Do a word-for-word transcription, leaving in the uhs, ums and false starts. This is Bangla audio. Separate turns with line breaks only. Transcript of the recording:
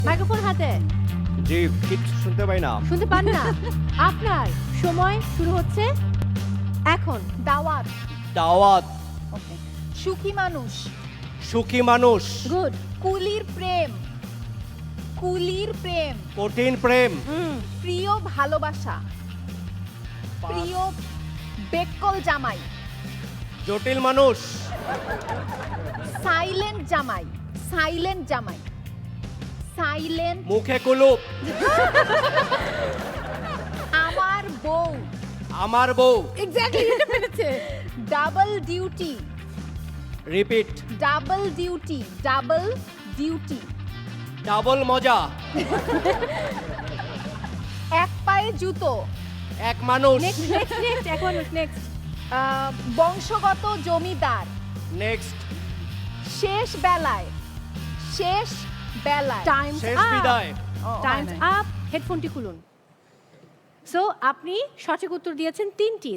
মাইক্রোফোন হাতে।
জি, কিচ্ছু শুনতে পাই না।
শুনতে পান না? আপনার সময় শুরু হচ্ছে এখন।
দাওয়াত।
দাওয়াত।
ওকে। সুখী মানুষ।
সুখী মানুষ।
গুড।
কুলির প্রেম। কুলির প্রেম।
কঠিন প্রেম।
হুম।
প্রিয় ভালোবাসা। প্রিয় বেককল জামাই।
জটিল মানুষ।
সাইলেন্ট জামাই। সাইলেন্ট জামাই। সাইলেন্ট।
মুখে কুলুপ।
আমার বউ।
আমার বউ।
এক্স্যাক্টলি এটা পেরেছে।
Double duty.
Repeat.
Double duty. Double duty.
Double মজা।
এক পায়ে জুতো।
এক মানুষ।
নেক্সট নেক্সট নেক্সট এক মানুষ নেক্সট।
আহ, বংশগত জমিদার।
নেক্সট।
শেষ বেলায়। শেষ বেলায়।
টাইমস
শেষ
আপ।
বিদায়।
Times up. হেডফোনটি খুলুন। সো আপনি সঠিক উত্তর দিয়েছেন তিনটি।